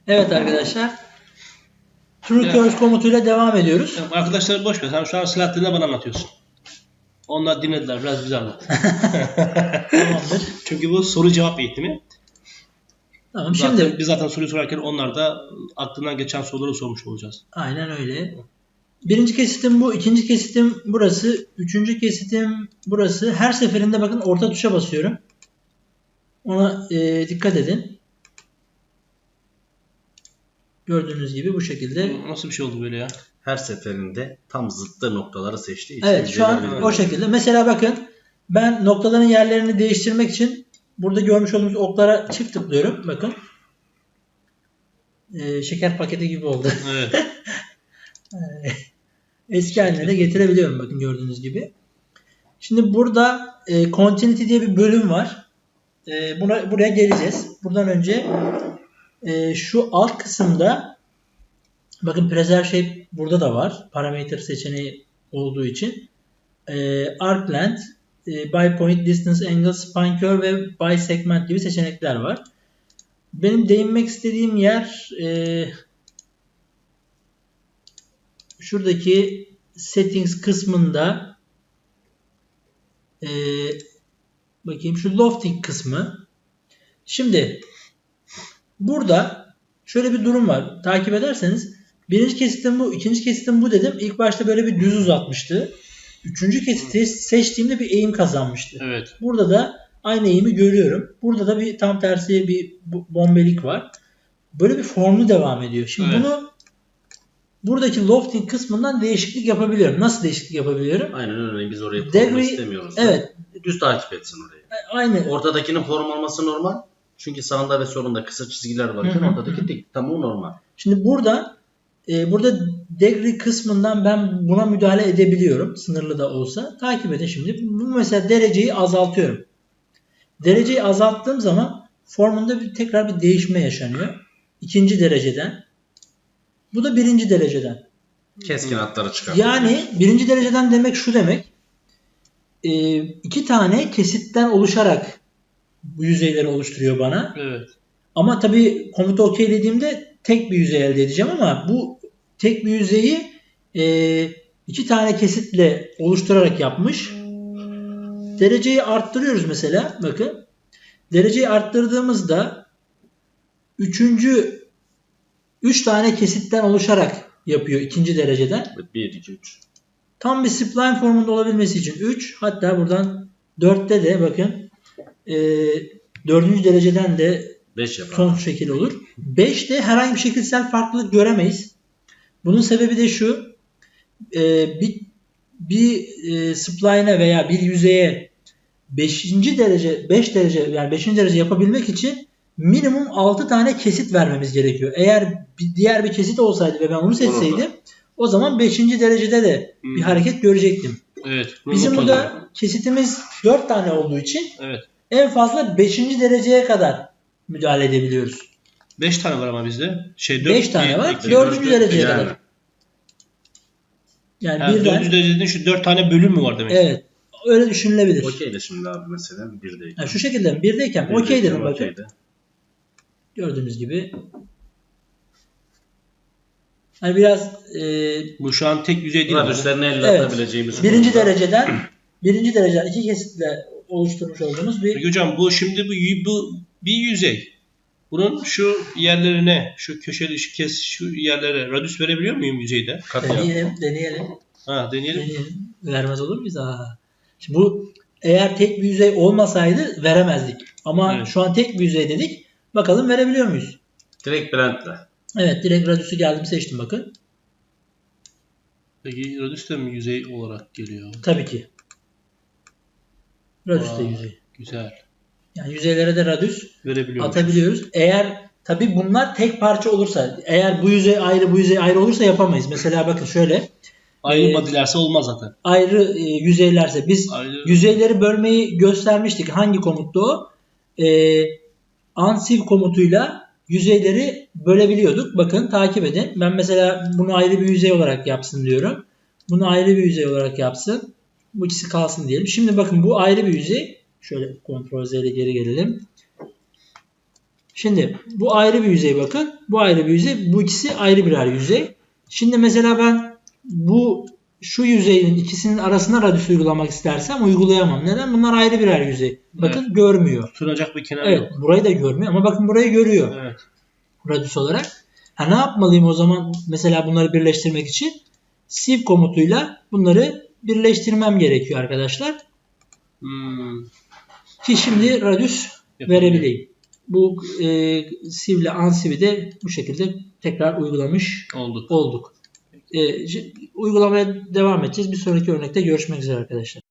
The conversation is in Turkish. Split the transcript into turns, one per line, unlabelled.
Evet arkadaşlar. True Curse komutuyla devam ediyoruz.
Arkadaşlar boş ver. Sen şu an Selahattin'le bana anlatıyorsun. Onlar dinlediler. Biraz bize anlat.
Tamamdır.
Çünkü bu soru cevap eğitimi.
Tamam şimdi.
Biz zaten soruyu sorarken onlar da aklından geçen soruları sormuş olacağız.
Aynen öyle. Birinci kesitim bu. İkinci kesitim burası. Üçüncü kesitim burası. Her seferinde bakın orta tuşa basıyorum. Ona dikkat edin. Gördüğünüz gibi bu şekilde.
Nasıl bir şey oldu böyle ya?
Her seferinde tam zıttı noktaları seçtiği için.
Evet şu an o şekilde. Mesela bakın ben noktaların yerlerini değiştirmek için burada görmüş olduğunuz oklara çift tıklıyorum. Bakın. Şeker paketi gibi oldu.
Evet.
Eski haline de getirebiliyorum bakın gördüğünüz gibi. Şimdi burada Continuity diye bir bölüm var. Buraya geleceğiz. Buradan önce şu alt kısımda bakın Preserve Shape burada da var. Parametre seçeneği olduğu için. Arc Length, By Point, Distance, Angle, Spine Curve ve By Segment gibi seçenekler var. Benim değinmek istediğim yer şuradaki Settings kısmında bakayım şu Lofting kısmı. Şimdi burada şöyle bir durum var. Takip ederseniz birinci kesitim bu, ikinci kesitim bu dedim. İlk başta böyle bir düz uzatmıştı. Üçüncü kesiti seçtiğimde bir eğim kazanmıştı.
Evet.
Burada da aynı eğimi görüyorum. Burada da bir tam tersi bir bombelik var. Böyle bir formlu devam ediyor. Şimdi
Evet.
bunu buradaki lofting kısmından değişiklik yapabiliyorum. Nasıl değişiklik yapabiliyorum?
Aynen öyle. Biz orayı
Degree-
form istemiyoruz.
Evet.
Düz takip etsin orayı.
Aynı.
Ortadakinin form olması normal. Çünkü sağında ve solunda kısa çizgiler varken
Hı hı.
ortadaki dik. Tamam normal.
Şimdi burada degree kısmından ben buna müdahale edebiliyorum. Sınırlı da olsa. Takip edin şimdi. Bu mesela dereceyi azaltıyorum. Dereceyi azalttığım zaman formunda tekrar bir değişme yaşanıyor. İkinci dereceden. Bu da birinci dereceden.
Keskin hatları çıkartıyor.
Yani birinci dereceden demek şu demek. İki tane kesitten oluşarak bu yüzeyleri oluşturuyor bana.
Evet.
Ama tabii komuta OK dediğimde tek bir yüzey elde edeceğim ama bu tek bir yüzeyi iki tane kesitle oluşturarak yapmış. Dereceyi arttırıyoruz mesela. Bakın. Dereceyi arttırdığımızda üç tane kesitten oluşarak yapıyor ikinci dereceden.
1, 2, 3.
Tam bir spline formunda olabilmesi için 3, hatta buradan 4'te de bakın 4. dereceden de
5 yapar.
son şekil olur. 5'te herhangi bir şekilsel farklılık göremeyiz. Bunun sebebi de şu. Bir spline'e veya bir yüzeye 5. derece yani 5. derece yapabilmek için minimum 6 tane kesit vermemiz gerekiyor. Eğer diğer bir kesit olsaydı ve ben onu seçseydim o zaman 5. derecede de bir hareket görecektim.
Evet.
Bizim burada kesitimiz 4 tane olduğu için
Evet.
en fazla 5. dereceye kadar müdahale edebiliyoruz.
5 tane var ama bizde.
5 tane var. 4. dereceye
yani.
kadar. Yani
Yani
birden.
4. derecede şu 4 tane bölüm mü var demek?
Evet. Öyle düşünülebilir.
Okey de şimdi abi mesela 1'deyken.
Yani şu şekilde mi? 1'deyken okey dedim bakın.
okeyde.
Gördüğünüz gibi. Hani biraz
Bu şu an tek yüzey değil.
Radüslerini elle
evet.
atabileceğimiz.
Birinci
konuda.
dereceden iki kesitle oluşturmuş olduğumuz bir
Peki hocam bu şimdi bu bir yüzey. Bunun şu yerlerine, şu köşeli şu yerlere radüs verebiliyor muyum yüzeyde?
deneyelim.
Ha, deneyelim.
Vermez olur muyuz? Şimdi bu eğer tek bir yüzey olmasaydı veremezdik. Ama
Evet.
şu an tek bir yüzey dedik. Bakalım verebiliyor muyuz?
Direkt blendle.
Evet, direkt radüsü geldim seçtim bakın.
Peki radüs de mi yüzey olarak geliyor?
Tabii ki. Radüs de
Aa,
yüzey.
Güzel.
Yani yüzeylere de radüs
Verebiliyoruz.
atabiliyoruz. Eğer tabii bunlar tek parça olursa, eğer bu yüzey ayrı bu yüzey ayrı olursa yapamayız. Mesela bakın şöyle.
Ayrı badilerse olmaz zaten.
Ayrı yüzeylerse biz yüzeyleri bölmeyi göstermiştik. Hangi komuttu o? Unsieve komutuyla yüzeyleri bölebiliyorduk. Bakın takip edin. Ben mesela bunu ayrı bir yüzey olarak yapsın diyorum. Bunu ayrı bir yüzey olarak yapsın. Bu ikisi kalsın diyelim. Şimdi bakın bu ayrı bir yüzey. Şöyle Ctrl Z ile geri gelelim. Şimdi bu ayrı bir yüzey bakın. Bu ayrı bir yüzey. Bu ikisi ayrı birer yüzey. Şimdi mesela ben şu yüzeyin ikisinin arasına radius uygulamak istersem uygulayamam. Neden? Bunlar ayrı birer yüzey. Bakın görmüyor.
Tutunacak bir kenar
Evet,
yok.
burayı da görmüyor ama bakın burayı görüyor
Evet.
radius olarak. Ne yapmalıyım o zaman mesela bunları birleştirmek için? Sieve komutuyla bunları birleştirmem gerekiyor arkadaşlar. Ki şimdi radius verebileyim. Bu sieve ile unsieve'i de bu şekilde tekrar uygulamış olduk. Uygulamaya devam edeceğiz. Bir sonraki örnekte görüşmek üzere arkadaşlar.